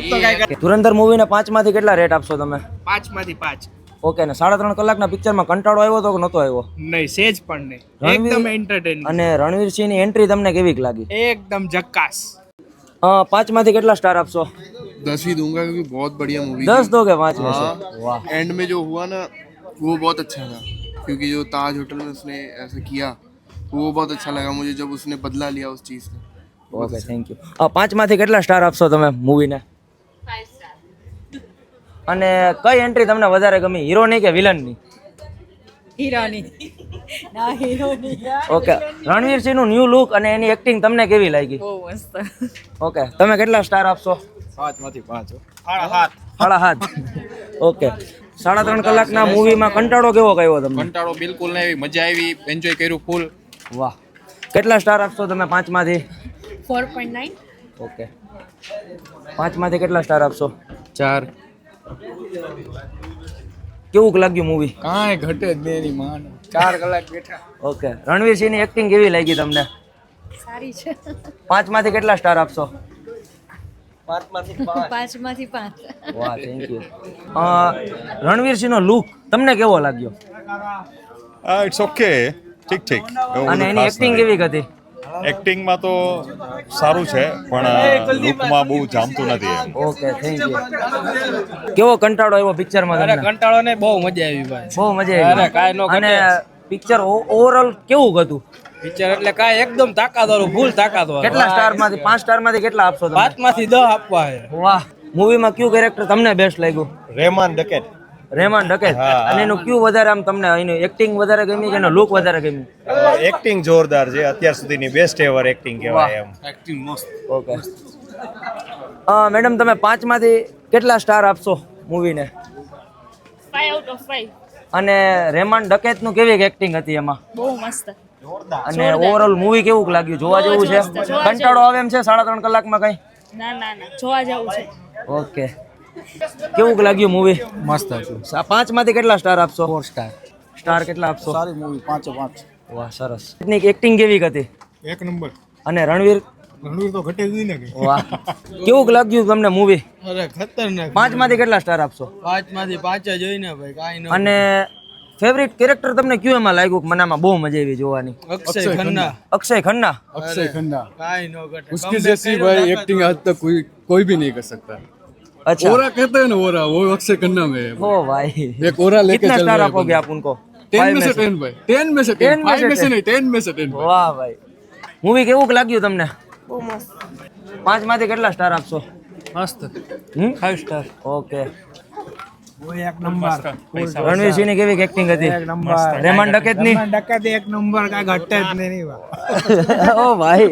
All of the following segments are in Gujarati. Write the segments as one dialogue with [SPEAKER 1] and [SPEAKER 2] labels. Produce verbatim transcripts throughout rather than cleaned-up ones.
[SPEAKER 1] ધુરંધર મૂવીને પાંચમાંથી કેટલા રેટ આપશો તમે?
[SPEAKER 2] પાંચમાંથી પાંચ.
[SPEAKER 1] ઓકે. ને સાડા ત્રણ કલાકના પિક્ચરમાં કંટાળો આવ્યો તો કે નહોતો આવ્યો?
[SPEAKER 2] નહીં, સેજ પણ નહીં. એકદમ એન્ટરટેનિંગ.
[SPEAKER 1] અને રણવીરસિંહની એન્ટ્રી તમને કેવી લાગી?
[SPEAKER 2] एकदम झक्कास.
[SPEAKER 1] પાંચમાંથી કેટલા સ્ટાર આપશો?
[SPEAKER 3] दस ही दूंगा क्योंकि बहुत बढ़िया मूवी
[SPEAKER 1] दस दोगे पाँच में से?
[SPEAKER 3] हाँ,
[SPEAKER 1] वाह.
[SPEAKER 3] एंड में जो हुआ ना वो बहुत अच्छा था क्योंकि जो ताज होटल में उसने ऐसा किया तो वो बहुत अच्छा लगा मुझे जब उसने बदला लिया उस चीज़ का.
[SPEAKER 1] Okay, thank you. પાંચમાંથી કેટલા સ્ટાર આપશો તમે મૂવીને? અને કઈ એન્ટ્રી તમને વધારે ગમી, હીરોની કે વિલનની?
[SPEAKER 4] હીરોની. ના, હીરોની.
[SPEAKER 1] ઓકે. રણવીરસિંહનું ન્યૂ લુક અને એની એક્ટિંગ તમને કેવી લાગી?
[SPEAKER 4] બહુ મસ્ત.
[SPEAKER 1] ઓકે. તમે કેટલા સ્ટાર આપશો?
[SPEAKER 2] પાંચમાંથી પાંચ. સાડા સાત.
[SPEAKER 1] સાડા સાત. ઓકે. સાડા ત્રણ કલાકના મૂવીમાં કંટાળો કેવો ગયો તમને?
[SPEAKER 5] કંટાળો બિલકુલ નહીં આવી, મજા આવી, એન્જોય કર્યું ફૂલ.
[SPEAKER 1] વાહ. કેટલા સ્ટાર આપશો તમે પાંચમાંથી?
[SPEAKER 4] Four point nine.
[SPEAKER 1] ઓકે. પાંચમાંથી કેટલા સ્ટાર આપશો?
[SPEAKER 5] ચાર.
[SPEAKER 1] કેવું લાગ્યું મૂવી?
[SPEAKER 5] કાંઈ ઘટે જ નહીં એની માન. ચાર કલાક બેઠા.
[SPEAKER 1] ઓકે. રણવીરસિંહની એક્ટિંગ કેવી લાગી તમને?
[SPEAKER 4] સારી છે.
[SPEAKER 1] પાંચમાંથી કેટલા સ્ટાર આપશો?
[SPEAKER 4] પાંચમાંથી પાંચ.
[SPEAKER 1] વાહ, થેન્ક યુ. રણવીરસિંહનો લુક તમને કેવો લાગ્યો?
[SPEAKER 6] ઇટ્સ ઓકે, ઠીક ઠીક.
[SPEAKER 1] અને એની એક્ટિંગ કેવી હતી?
[SPEAKER 6] એક્ટિંગમાં તો સારું છે પણ લુકમાં બહુ જામતું નથી એમ.
[SPEAKER 1] Okay, thank you. કેવો કંટાળો આવ્યો પિક્ચરમાં
[SPEAKER 2] અરે
[SPEAKER 1] તમને?
[SPEAKER 2] કંટાળો ને બહુ મજા આવી ભાઈ.
[SPEAKER 1] બહુ મજા
[SPEAKER 2] અરે કાંઈ નો
[SPEAKER 1] આવી.
[SPEAKER 2] ઘટે.
[SPEAKER 1] અને પિક્ચર ઓવરઓલ કેવું હતું?
[SPEAKER 2] પિક્ચર એટલે કાંઈ એકદમ તાકાતવાળું, ફૂલ તાકાતવાળું.
[SPEAKER 1] કેટલા સ્ટારમાંથી પાંચ સ્ટારમાંથી કેટલા આપશો તમે?
[SPEAKER 2] પાંચમાંથી દસ આપવા છે.
[SPEAKER 1] વાહ. મૂવીમાં કયું કેરેક્ટર તમને બેસ્ટ લાગ્યું?
[SPEAKER 7] રહેમાન ડકેટ.
[SPEAKER 1] રહેમાન ડકેત. અને એનું કયું વધારે આમ તમને એનું એક્ટિંગ વધારે ગમી કે એનો લુક વધારે ગમી?
[SPEAKER 7] એક્ટિંગ જોરદાર છે, અત્યાર સુધીની બેસ્ટ એવર એક્ટિંગ કહેવાય એમ.
[SPEAKER 5] એક્ટિંગ મસ્ત.
[SPEAKER 1] ઓકે. મેડમ તમે પાંચમાંથી કેટલા સ્ટાર આપશો મૂવીને?
[SPEAKER 4] Five out of five.
[SPEAKER 1] અને રહેમાન ડકેતનું કેવી એક્ટિંગ હતી એમાં?
[SPEAKER 4] બહુ મસ્ત.
[SPEAKER 1] અને ઓવરઓલ મૂવી કેવું લાગ્યું? જોવા જેવું છે?
[SPEAKER 4] મસ્ત, જોવા
[SPEAKER 1] કંટાળો આવે એમ છે સાડા ત્રણ કલાકમાં કઈ?
[SPEAKER 4] ના ના ના, જોવા જવું છે.
[SPEAKER 1] ઓકે. કેવું લાગ્યું મૂવી?
[SPEAKER 5] મસ્ત હતું.
[SPEAKER 1] પાંચમાંથી કેટલા સ્ટાર આપશો?
[SPEAKER 5] Four star.
[SPEAKER 1] સ્ટાર કેટલા આપશો?
[SPEAKER 5] સારી મૂવી, પાંચો પાંચ.
[SPEAKER 1] વાહ, સરસ. એની એક્ટિંગ કેવી હતી?
[SPEAKER 5] એક નંબર.
[SPEAKER 1] અને રણવીર?
[SPEAKER 5] રણવીર તો ઘટે જ નહીં ને.
[SPEAKER 1] વાહ. કેવું લાગ્યું તમને મૂવી?
[SPEAKER 2] અરે ખતરનાક.
[SPEAKER 1] પાંચમાંથી કેટલા સ્ટાર આપશો?
[SPEAKER 2] પાંચમાંથી પાંચ જ હોય ને ભાઈ, કાંઈ ન.
[SPEAKER 1] અને ફેવરિટ કેરેક્ટર તમને કયું એમાં લાગ્યું કે મને આમાં બહુ મજા આવી જોવાની?
[SPEAKER 2] અક્ષય ખન્ના.
[SPEAKER 1] અક્ષય ખન્ના.
[SPEAKER 5] अक्षय खन्ना.
[SPEAKER 2] કાંઈ ન ઘટે.
[SPEAKER 5] उसकी जैसी भाई एक्टिंग आज तक कोई कोई भी नहीं कर सकता.
[SPEAKER 1] अच्छा.
[SPEAKER 5] ओरा कहते हैं ना, ओरा वो अक्षय खन्ना में है.
[SPEAKER 1] ओ भाई.
[SPEAKER 5] एक ओरा लेके
[SPEAKER 1] कितना
[SPEAKER 5] चल
[SPEAKER 1] स्टार
[SPEAKER 5] रहा है
[SPEAKER 1] आपोगे
[SPEAKER 5] बंदा.
[SPEAKER 1] आप उनको?
[SPEAKER 5] टेन में से टेन भाई. टेन में से टेन.
[SPEAKER 1] टेन में से
[SPEAKER 5] फाइव में से
[SPEAKER 1] टेन.
[SPEAKER 5] नहीं, टेन में से टेन.
[SPEAKER 1] વાહ ભાઈ. મૂવી કેવું લાગ્યું તમને?
[SPEAKER 4] બહુ મસ્ત.
[SPEAKER 1] પાંચમાંથી કેટલા સ્ટાર આપશો?
[SPEAKER 2] મસ્ત.
[SPEAKER 1] હમ?
[SPEAKER 2] Five star.
[SPEAKER 1] ઓકે.
[SPEAKER 2] એક નંબર.
[SPEAKER 1] રણવીરસિંહની કેવી એક્ટિંગ હતી? રહેમાન ડકેતની?
[SPEAKER 2] ડકાત એક નંબર, કાંઈ ઘટે જ નહીં.
[SPEAKER 1] ઓ ભાઈ.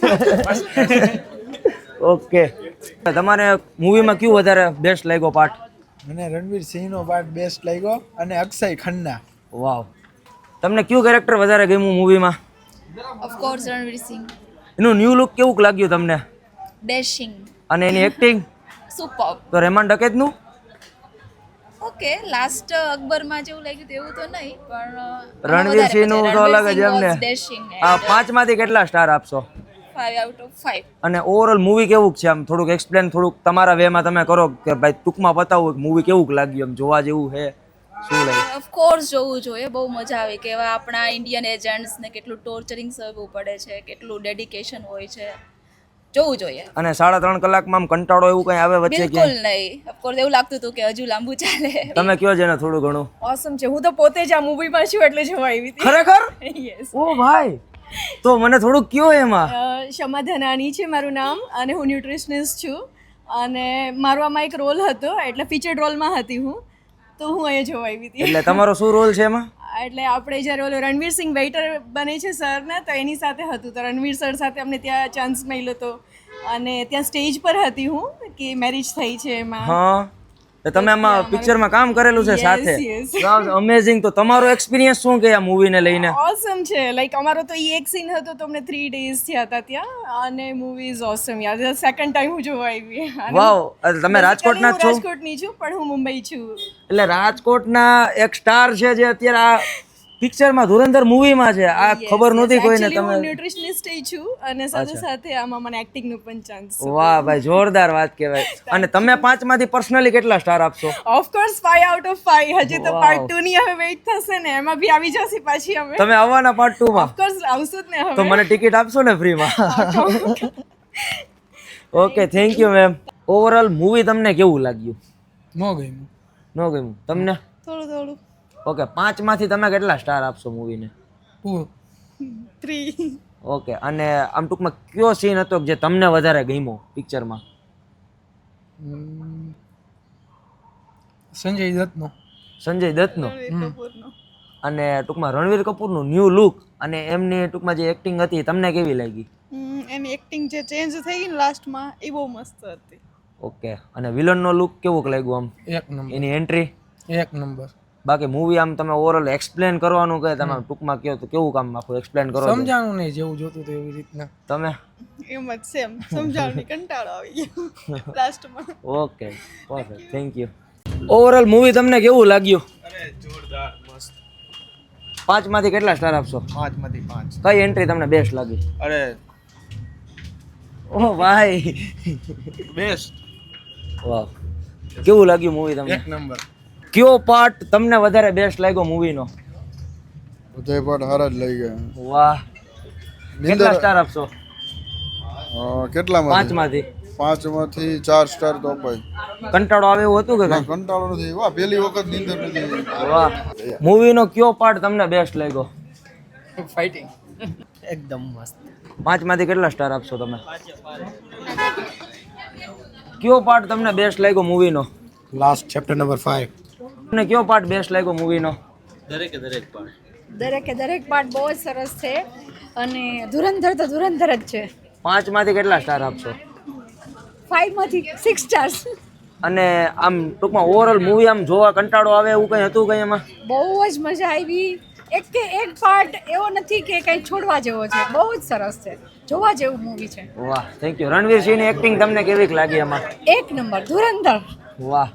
[SPEAKER 1] ઓકે. તમારે મૂવીમાં કયું વધારે બેસ્ટ લાગ્યો પાર્ટ?
[SPEAKER 8] મને રણવીર સિંહનો પાર્ટ બેસ્ટ લાગ્યો અને અક્ષય ખન્ના.
[SPEAKER 1] વાવ. તમને કયું કેરેક્ટર વધારે ગમ્યું મૂવીમાં?
[SPEAKER 4] Of course Ranveer Singh.
[SPEAKER 1] એનું ન્યૂ લુક કેવું લાગ્યું તમને?
[SPEAKER 4] ડેશિંગ.
[SPEAKER 1] અને એની એક્ટિંગ?
[SPEAKER 4] સુપર.
[SPEAKER 1] તો રહેમાન ડકેતનું?
[SPEAKER 4] ઓકે, લાસ્ટ અકબરમાં જેવું લાગ્યું તેવું તો નહીં, પણ
[SPEAKER 1] રણવીરસિંહનું તો અલગ જ એમને.
[SPEAKER 4] ડેશિંગ.
[SPEAKER 1] આ પાંચમાંથી કેટલા સ્ટાર આપશો?
[SPEAKER 4] Five out of five.
[SPEAKER 1] અને ઓવરઓલ મૂવી કેવું છે આમ થોડુંક એક્સપ્લેન થોડુંક તમારા વેમાં તમે કરો કે ભાઈ ટૂંકમાં બતાવો મૂવી કેવું લાગ્યું, એમ જોવા જેવું છે શું લાગ્યું?
[SPEAKER 4] ઓફ કોર્સ જોવું જોઈએ, બહુ મજા આવે. કે એવા આપણા ઇન્ડિયન એજન્ટ્સને કેટલું ટોર્ચરિંગ સહવું પડે છે, કેટલું ડેડિકેશન હોય છે, જોવું જોઈએ.
[SPEAKER 1] અને સાડા ત્રણ કલાકમાં આમ કંટાળો એવું કઈ આવે વચ્ચે કે?
[SPEAKER 4] બિલકુલ નહીં. ઓફ કોર્સ એવું લાગતું હતું કે હજુ લાંબુ ચાલે.
[SPEAKER 1] તમે કયો છે ને થોડું ઘણું.
[SPEAKER 9] ઓસમ છે. હું તો પોતે જ આ મૂવીમાં છું એટલે જોવા આવી હતી.
[SPEAKER 1] ખરેખર?
[SPEAKER 9] યસ.
[SPEAKER 1] ઓ ભાઈ, તો મને થોડુંક કયો એમાં.
[SPEAKER 9] શમા ધનાની છે મારું નામ અને હું ન્યુટ્રિશનિસ્ટ છું અને મારો આમાં એક રોલ હતો, એટલે ફીચર્ડ રોલમાં હતી હું, તો હું અહીંયા જોવા આવી હતી.
[SPEAKER 1] એટલે તમારો શું રોલ છે એમાં?
[SPEAKER 9] એટલે આપણે જ્યારે ઓલો રણવીર સિંહ વેઇટર બને છે સરને, તો એની સાથે હતું. તો રણવીર સર સાથે અમને ત્યાં ચાન્સ મળ્યો હતો અને ત્યાં સ્ટેજ પર હતી હું કે મેરેજ થઈ છે એમાં.
[SPEAKER 1] હા. તો તમે આમાં પિક્ચરમાં કામ કરેલું છે સાથે?
[SPEAKER 9] yes.
[SPEAKER 1] અમેઝિંગ. તો તમારો એક્સપિરિયન્સ શું કે આ મૂવીને લઈને?
[SPEAKER 9] ઓસમ છે. લાઈક અમારો તો એ એક સીન હતો તો અમને થ્રી ડેઝ થયા હતા ત્યાં અને મૂવી ઇઝ ઓસમ. યાર સેકન્ડ ટાઈમ હું જોવા આવી.
[SPEAKER 1] વાવ. તમે રાજકોટના જ છો?
[SPEAKER 9] રાજકોટની છું પણ હું મુંબઈ છું.
[SPEAKER 1] એટલે રાજકોટના એક સ્ટાર છે જે અત્યારે આ પિક્ચરમાં ધુરંધર મૂવીમાં છે આ ખબર નહોતી કોઈને
[SPEAKER 9] Actually હું
[SPEAKER 1] તમે
[SPEAKER 9] ન્યુટ્રિશનિસ્ટ છું અને સાથે સાથે આમાં મને એક્ટિંગ નું પણ ચાન્સ
[SPEAKER 1] વાહ ભાઈ જોરદાર વાત કહેવાય અને તમે પાંચમાંથી પર્સનલી કેટલા સ્ટાર આપશો
[SPEAKER 9] of course five out of five હજી તો પાર્ટ ટુ ની હવે વેઇટ થશે ને એમાં બી આવી જશે પાછી અમે
[SPEAKER 1] તમે આવવાના પાર્ટ ટુ માં
[SPEAKER 9] ઓફ કોર્સ આવશું જ ને
[SPEAKER 1] તો
[SPEAKER 9] હવે
[SPEAKER 1] મને ટિકિટ આપશો ને ફ્રીમાં okay thank you ma'am overall movie તમને કેવું લાગ્યું
[SPEAKER 2] નો ગયું
[SPEAKER 1] ન ગમ્યું તમને
[SPEAKER 9] થોડું થોડું
[SPEAKER 1] ઓકે પાંચમાંથી તમે કેટલા સ્ટાર આપશો મૂવીને
[SPEAKER 2] ટુ
[SPEAKER 9] થ્રી
[SPEAKER 1] ઓકે અને આમ ટૂંકમાં કયો સીન હતો જે તમને વધારે ગમ્યો પિક્ચરમાં
[SPEAKER 2] સંજય દત્તનો
[SPEAKER 1] સંજય દત્તનો
[SPEAKER 9] કપૂરનો
[SPEAKER 1] અને ટૂંકમાં રણવીર કપૂરનું ન્યૂ લુક અને એમની ટૂંકમાં જે એક્ટિંગ હતી તમને કેવી લાગી
[SPEAKER 9] હમ, એની એક્ટિંગ જે ચેન્જ થઈ ગઈ ને લાસ્ટમાં એ બહુ મસ્ત હતી
[SPEAKER 1] ઓકે અને વિલનનો લુક કેવો લાગ્યો આમ
[SPEAKER 2] એક નંબર
[SPEAKER 1] એની એન્ટ્રી
[SPEAKER 2] એક નંબર
[SPEAKER 1] બાકી મૂવી આમ તમે ઓવરઓલ એક્સપ્લેન કરવાનું કે તમે ટૂંકમાં કહો તો કેવું કામ આખું એક્સપ્લેન કરો છો?
[SPEAKER 2] સમજાણું નહીં જેવું જોતું હતું એવી રીતના
[SPEAKER 1] તમે
[SPEAKER 9] એમ જ સેમ સમજાવવાની કંટાળો આવી ગયો લાસ્ટમાં
[SPEAKER 1] okay perfect thank you overall movie તમને કેવું લાગ્યું
[SPEAKER 8] જોરદાર મસ્ત
[SPEAKER 1] પાંચમાંથી કેટલા સ્ટાર આપશો
[SPEAKER 8] પાંચ માંથી પાંચ
[SPEAKER 1] કઈ એન્ટ્રી તમને બેસ્ટ લાગી
[SPEAKER 8] અરે
[SPEAKER 1] ઓહ ભાઈ
[SPEAKER 8] બેસ્ટ
[SPEAKER 1] વાહ કેવું લાગ્યું મૂવી તમને
[SPEAKER 8] એક નંબર
[SPEAKER 1] કયો પાર્ટ તમને વધારે બેસ્ટ લાગ્યો મૂવીનો
[SPEAKER 5] બધા પાઠ હારા જ લઈ ગયા
[SPEAKER 1] વાહ કેટલા સ્ટાર આપશો
[SPEAKER 5] કેટલામાં
[SPEAKER 1] પાંચમાંથી
[SPEAKER 5] પાંચમાંથી ચાર સ્ટાર તો અપાય
[SPEAKER 1] કંટાળો આવે એવું હતું કે કાંઈ?
[SPEAKER 5] કંટાળો નથી વાહ પહેલી વખત નીંદર નથી
[SPEAKER 1] વાહ મૂવીનો કયો પાર્ટ તમને બેસ્ટ લાગ્યો
[SPEAKER 2] ફાઇટિંગ એકદમ મસ્ત
[SPEAKER 1] પાંચમાંથી કેટલા સ્ટાર આપશો તમે કયો પાર્ટ તમને બેસ્ટ લાગ્યો મૂવીનો
[SPEAKER 2] લાસ્ટ ચેપ્ટર નંબર ફાઈવ
[SPEAKER 1] તમને કયો પાર્ટ બેસ્ટ લાગ્યો મૂવીનો
[SPEAKER 10] દરેકે દરેક પાર્ટ બહુ જ સરસ છે અને ધુરંધર તો ધુરંધર જ છે
[SPEAKER 1] પાંચમાંથી કેટલા સ્ટાર આપશો
[SPEAKER 10] ફાઈવમાંથી સિક્સ સ્ટાર્સ
[SPEAKER 1] અને આમ ટૂંકમાં ઓવરઓલ મૂવી આમ જોવા કંટાળો આવે એવું કંઈ હતું કંઈ એમાં
[SPEAKER 10] બહુ જ મજા આવી એક કે એક પાર્ટ એવો નથી કે કંઈ છોડવા જેવો છે બહુ જ સરસ છે જોવા જેવું મૂવી છે
[SPEAKER 1] વાહ થેન્ક યુ રણવીર સિંહની એક્ટિંગ તમને કેવીક લાગી એમાં
[SPEAKER 10] એક નંબર ધુરંધર
[SPEAKER 1] વાહ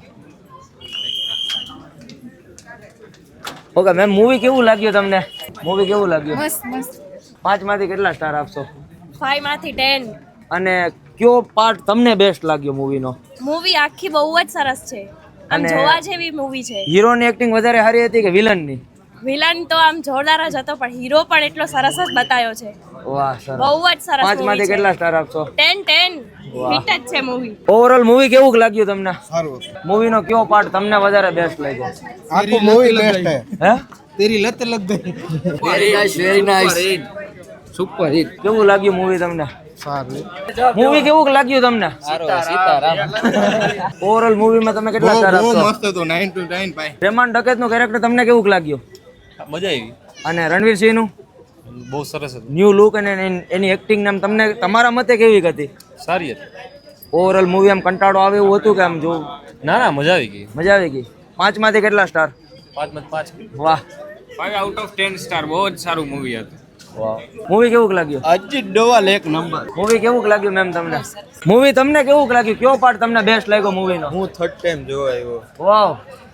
[SPEAKER 1] ઓકે મેમ મૂવી કેવું લાગ્યું તમને મૂવી કેવું લાગ્યું
[SPEAKER 10] મસ્ત મસ્ત
[SPEAKER 1] પાંચમાંથી કેટલા સ્ટાર આપશો
[SPEAKER 4] ફાઈવમાંથી ટેન
[SPEAKER 1] અને કયો પાર્ટ તમને બેસ્ટ લાગ્યો મૂવીનો
[SPEAKER 4] મૂવી આખી બહુ જ સરસ છે આમ
[SPEAKER 1] અને-
[SPEAKER 4] જોવા જેવી મૂવી છે
[SPEAKER 1] હીરોની એક્ટિંગ વધારે સારી હતી કે વિલનની
[SPEAKER 4] વિલન તો આમ જોરદાર જ હતો પણ હીરો પણ એટલો સરસ જ બતાવ્યો છે
[SPEAKER 1] વાહ સરસ
[SPEAKER 4] બહુ જ સરસ
[SPEAKER 1] પાંચમાંથી
[SPEAKER 4] મૂવી છે
[SPEAKER 1] કેટલા સ્ટાર આપશો
[SPEAKER 4] ટેન ટેન
[SPEAKER 1] વાહ.
[SPEAKER 4] હિટ જ છે મૂવી
[SPEAKER 1] ઓવરઓલ મૂવી કેવું લાગ્યું તમને
[SPEAKER 5] સારું
[SPEAKER 1] મૂવીનો કયો પાર્ટ તમને વધારે બેસ્ટ લાગ્યો
[SPEAKER 5] આખું મૂવી બેસ્ટ હે
[SPEAKER 1] હે
[SPEAKER 2] તેરી લત લગ ગઈ
[SPEAKER 1] સુપર હિટ કેવું લાગ્યું મૂવી તમને
[SPEAKER 2] સારું
[SPEAKER 1] મૂવી કેવું લાગ્યું તમને ઓવરઓલ મૂવીમાં તમે કેટલા સ્ટાર આપશો
[SPEAKER 8] મસ્ત હતો નાઇન ટુ નાઇન ભાઈ
[SPEAKER 1] પ્રેમાન ડકેતનું કેરેક્ટર તમને કેવું લાગ્યું
[SPEAKER 7] મજા આવી
[SPEAKER 1] અને રણવીર સિંહનું
[SPEAKER 7] બહુ સરસ હતું
[SPEAKER 1] ન્યૂ લુક અને એની- એની એક્ટિંગ નામ તમને તમારા મતે કેવી હતી
[SPEAKER 7] સારી હતી
[SPEAKER 1] ઓવરઓલ મૂવી આમ કંટાળો આવે એવું હતું કે આમ જો
[SPEAKER 7] ના ના મજા આવી ગઈ
[SPEAKER 1] મજા આવી ગઈ પાંચમાંથી કેટલા સ્ટાર
[SPEAKER 7] પાંચમાં પાંચ
[SPEAKER 1] વાહ
[SPEAKER 2] five out of ten star બહુ જ સારું મૂવી હતું
[SPEAKER 1] વાહ મૂવી કેવું લાગ્યું
[SPEAKER 8] અજીત ડોવાલ એક નંબર
[SPEAKER 1] મૂવી કેવું લાગ્યું મેમ તમને મૂવી તમને કેવું લાગ્યું કયો પાર્ટ તમને બેસ્ટ લાગ્યો મૂવીનો
[SPEAKER 8] હું થર્ડ ટાઈમ જોવા આવ્યો
[SPEAKER 1] વાવ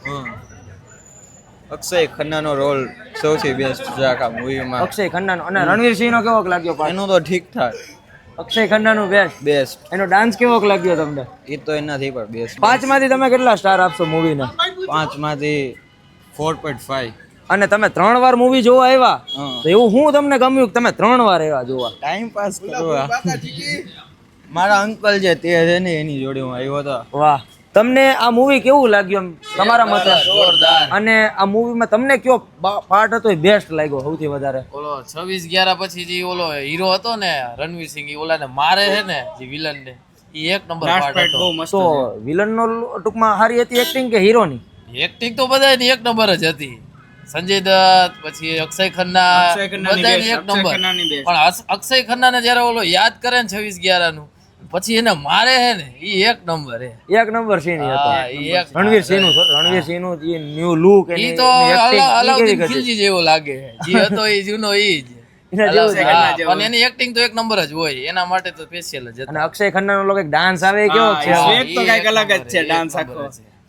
[SPEAKER 8] અક્ષય ખન્નાનો રોલ સૌથી બેસ્ટ છે આખા મૂવીમાં
[SPEAKER 1] અક્ષય ખન્નાનો અને રણવીર સિંહનો કેવો લાગ્યો પાર્ટ
[SPEAKER 8] એનું તો ઠીક ઠાક
[SPEAKER 1] અક્ષય ખન્નાનું બેસ્ટ
[SPEAKER 8] બેસ્ટ
[SPEAKER 1] એનો ડાન્સ કેવો લાગ્યો તમને
[SPEAKER 8] એ તો એનાથી પણ બેસ્ટ
[SPEAKER 1] પાંચમાંથી તમે કેટલા સ્ટાર આપશો મૂવીને
[SPEAKER 8] પાંચમાંથી ફોર પોઈન્ટ ફાઈવ
[SPEAKER 1] અને તમે ત્રણ વાર મૂવી જોવા આવ્યા
[SPEAKER 8] હા.
[SPEAKER 1] તો એવું શું તમને ગમ્યું કે તમે ત્રણ વાર આવ્યા જોવા
[SPEAKER 8] ટાઈમ પાસ કરવા મારા અંકલ છે તે છે ને એની જોડે હું આવ્યો હતો
[SPEAKER 1] વાહ તમને આ મૂવી કેવું લાગ્યું એમ તમારા મતે અને આ મૂવીમાં તમને કયો પાર્ટ હતો એ બેસ્ટ લાગ્યો સૌથી વધારે
[SPEAKER 11] ઓલો છવ્વીસ ગ્યારા પછી જે ઓલો હીરો હતો ને રણવીર સિંહ ઈ ઓલાને મારે છે ને જે વિલન ને ઈ એક નંબર પાર્ટ હતો
[SPEAKER 1] તો વિલનનો ટૂંકમાં સારી હતી એક્ટિંગ કે હીરોની
[SPEAKER 11] એક્ટિંગ તો બધાની એક નંબર જ હતી સંજય દત્ત પછી અક્ષય ખન્ના બધાની એક નંબર પણ અસ- અક્ષય ખન્ના ને જયારે ઓલો યાદ કરે ને છવ્વીસ ગ્યારા નું પછી એને મારે છે ને ઈ એક નંબર હે
[SPEAKER 1] એક નંબર સીન હતો
[SPEAKER 11] હા, ઈ એક
[SPEAKER 1] રણવીર સિંહ નું રણવીર સિંહ નું જે ન્યુ લુક
[SPEAKER 11] ઈ તો અલા- અલાઉદ્દીન ખિલજી જેવો લાગે જે હતો ઈ જૂનો ઈ જ હા, પણ એની એક્ટિંગ તો એક નંબર જ હોય એના માટે તો સ્પેશિયલ જ
[SPEAKER 1] અને અક્ષય ખન્ના નો એક ડાન્સ આવે એ કેવો છે
[SPEAKER 11] સ્વેગ તો કઈક અલગ જ છે ડાન્સ આખો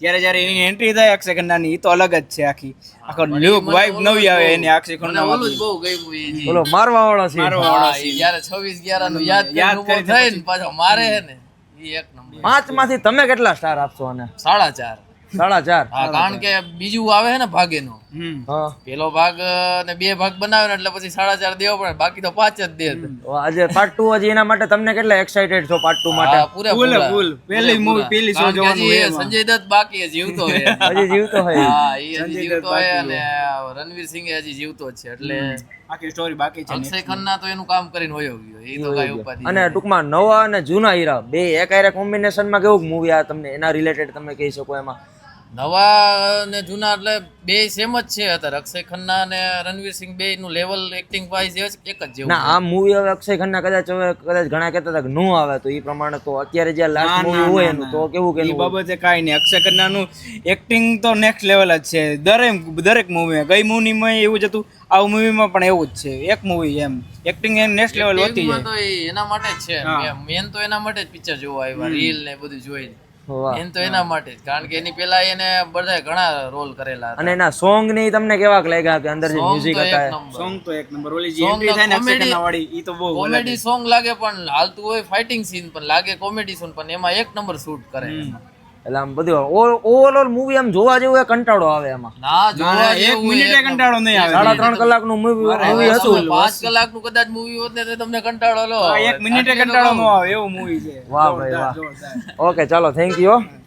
[SPEAKER 8] જ્યારે જ્યારે એની એન્ટ્રી થાય અક્ષય ખન્નાની એ તો અલગ જ છે આખી આખો લુક વાઇબ નવી આવે એની અક્ષય
[SPEAKER 11] મને
[SPEAKER 8] ખન્ના
[SPEAKER 11] ઓલું જ બહુ ગમ્યું ઈ જી.
[SPEAKER 1] બોલો મારવા વાળો છે
[SPEAKER 11] હા, ઈ જ્યારે છવ્વીસ ગ્યારા નું યાદ
[SPEAKER 8] યાદ
[SPEAKER 11] કરીને ઊભો
[SPEAKER 8] કરીને
[SPEAKER 11] થઈને પાછો મારે હે ને ઈ એક નંબર.
[SPEAKER 1] પાંચ માંથી તમે કેટલા સ્ટાર આપશો આને?
[SPEAKER 11] સાડા ચાર.
[SPEAKER 1] સાડા ચાર.
[SPEAKER 11] હા, કારણ કે બીજું આવે છે ને ભાગેનો
[SPEAKER 8] હમ
[SPEAKER 1] હા
[SPEAKER 11] પેલો ભાગ અ, ને બે ભાગ બનાવે ને એટલે પછી સાડા ચાર દેવો પડે, બાકી તો પાંચ જ દે.
[SPEAKER 1] તો આજે પાર્ટ ટુ હજી એના માટે તમને કેટલા એક્સાઇટેડ છો પાર્ટ ટુ
[SPEAKER 11] હા,
[SPEAKER 1] માટે?
[SPEAKER 11] પૂરેપૂરા.
[SPEAKER 8] ફૂલ ફૂલ પહેલી મૂવી પહેલી શો
[SPEAKER 11] કારણ કે
[SPEAKER 8] જોવાનું
[SPEAKER 11] હજી
[SPEAKER 8] હોય એમાં.
[SPEAKER 11] સંજય દત્ત બાકી છે, જીવતો છે હજી.
[SPEAKER 1] હજી જીવતો હોય
[SPEAKER 11] હા, ઈ હજી
[SPEAKER 8] સંજય
[SPEAKER 11] જીવતો
[SPEAKER 8] દત્ત
[SPEAKER 11] હોય
[SPEAKER 8] બાકી
[SPEAKER 11] અને રણવીર સિંહ હજી જીવતો જ છે એટલે
[SPEAKER 8] આખી સ્ટોરી બાકી છે
[SPEAKER 11] અક્ષય ખન્ના તો એનું કામ કરીને વયો ગયો, એ તો કઈ ઉપાધિ
[SPEAKER 1] અને ટૂંકમાં નવા અને જૂના હીરા બે એક હારે કોમ્બિનેશનમાં કેવું મૂવી આ તમને એના રિલેટેડ તમે કહી શકો એમાં?
[SPEAKER 11] નવા ને જૂના એટલે બે સેમ જ છે અત્યારે. અક્ષય ખન્ના અને રણવીર સિંહ બે નું લેવલ એક્ટિંગ વાઇઝ એક જ જેવું
[SPEAKER 1] ના આ મૂવી હવે અક્ષય ખન્ના કદાચ હવે કદાચ ઘણા કહેતા હતા કે નો આવે તો એ પ્રમાણે તો અત્યારે જે લાસ્ટ
[SPEAKER 8] ના,
[SPEAKER 1] મૂવી
[SPEAKER 8] ના,
[SPEAKER 1] હોય
[SPEAKER 8] ના,
[SPEAKER 1] એનું
[SPEAKER 8] ના.
[SPEAKER 1] તો કેવું કે
[SPEAKER 8] એ બાબતે કાંઈ નહીં. અક્ષય ખન્નાનું એક્ટિંગ તો નેક્સ્ટ લેવલ જ છે દરેક દરેક મૂવીમાં. ગઈ મૂવીમાં એવું જ હતું, આ મૂવીમાં પણ એવું જ છે. એક મૂવી એમ એક્ટિંગ એમ નેક્સ્ટ લેવલ હોતી
[SPEAKER 11] Acting માં
[SPEAKER 8] જાય.
[SPEAKER 11] તો એ એના માટે જ છે.
[SPEAKER 8] હા.
[SPEAKER 11] મેન તો એના માટે જ પિક્ચર જોવા આવ્યા, રીલ ને બધું જોઈને.
[SPEAKER 1] વાહ.
[SPEAKER 11] મેન તો એના માટે જ, કારણ કે એની પેલા એને બધા ઘણા રોલ કરેલા
[SPEAKER 1] અને એના સોંગ ને ઈ તમને કેવાક લાગ્યા કે અંદર જે મ્યુઝિક હતા એ?
[SPEAKER 8] સોંગ તો એક નંબર. ઓલી જે
[SPEAKER 11] Song
[SPEAKER 8] એન્ટ્રી
[SPEAKER 11] તો
[SPEAKER 8] થાય ને અક્ષય
[SPEAKER 11] comedy-
[SPEAKER 8] ખન્ના વાળી ઈ તો બહુ
[SPEAKER 11] કોમેડી સોંગ લાગે પણ હાલતું હોય ફાઇટિંગ સીન પણ લાગે કોમેડી સોંગ પણ એમાં એક નંબર શૂટ કરે.
[SPEAKER 1] એટલે આમ બધું ઓવરઓલ મૂવી આમ જોવા જેવું એ કંટાળો આવે એમાં.
[SPEAKER 11] ના જોવા
[SPEAKER 8] એક
[SPEAKER 11] જેવું
[SPEAKER 8] મિનિટે
[SPEAKER 11] એક
[SPEAKER 8] કંટાળો નહીં આવે.
[SPEAKER 1] સાડા ત્રણ કલાકનું મૂવી મૂવી
[SPEAKER 11] નંબર.
[SPEAKER 1] હતું.
[SPEAKER 11] પાંચ કલાકનું કદાચ મૂવી હોત ને તો તમને કંટાળો લો
[SPEAKER 8] એક મિનિટે કંટાળો ન આવે એવું મૂવી છે.
[SPEAKER 1] વાહ ભાઈ વાહ.
[SPEAKER 8] જોરદાર.
[SPEAKER 1] ઓકે ચાલો થેન્ક યુ.